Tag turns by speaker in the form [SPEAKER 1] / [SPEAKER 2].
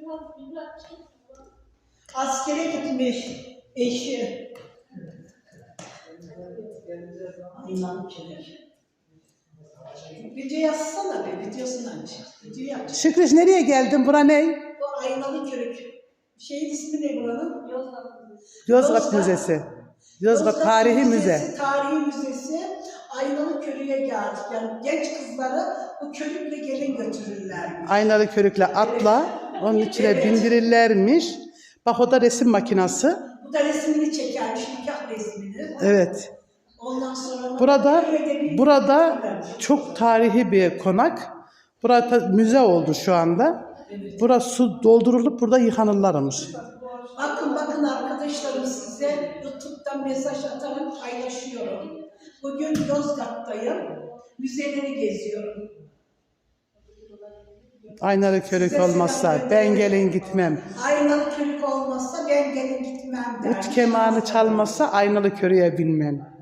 [SPEAKER 1] Askere gitmiş eşi. Aynen köy. Video yazsana be, videosunu aç. Video aç.
[SPEAKER 2] Şükrüş nereye geldin? Bura ne?
[SPEAKER 1] Bu Aynalı Körük. Şeyin ismi ne buranın?
[SPEAKER 2] Yozgat Müzesi. Yozgat Tarihi Müze.
[SPEAKER 1] Tarihi Müzesi. Aynalı Körük'e geldik. Yani genç kızları bu körükle gelin götürürlermiş.
[SPEAKER 2] Aynalı körükle atla. Onun içine bindirirlermiş. Bak o da resim makinası.
[SPEAKER 1] Bu da resmini çekermiş, nikah resmini.
[SPEAKER 2] Evet.
[SPEAKER 1] Ondan sonra
[SPEAKER 2] Burada çok tarihi bir konak. Burada müze oldu şu anda. Burası su doldurulup burada yıkanırlarmış.
[SPEAKER 1] Bakın arkadaşlarım, size YouTube'dan mesaj atarak paylaşıyorum. Bugün Yozgat'tayım. Müzeleri geziyorum.
[SPEAKER 2] Aynalı körük olmazsa ben gelin gitmem.
[SPEAKER 1] Aynalı Körük olmazsa ben gelin gitmem der.
[SPEAKER 2] Ut kemanı çalmazsa aynalı körüğe binmem.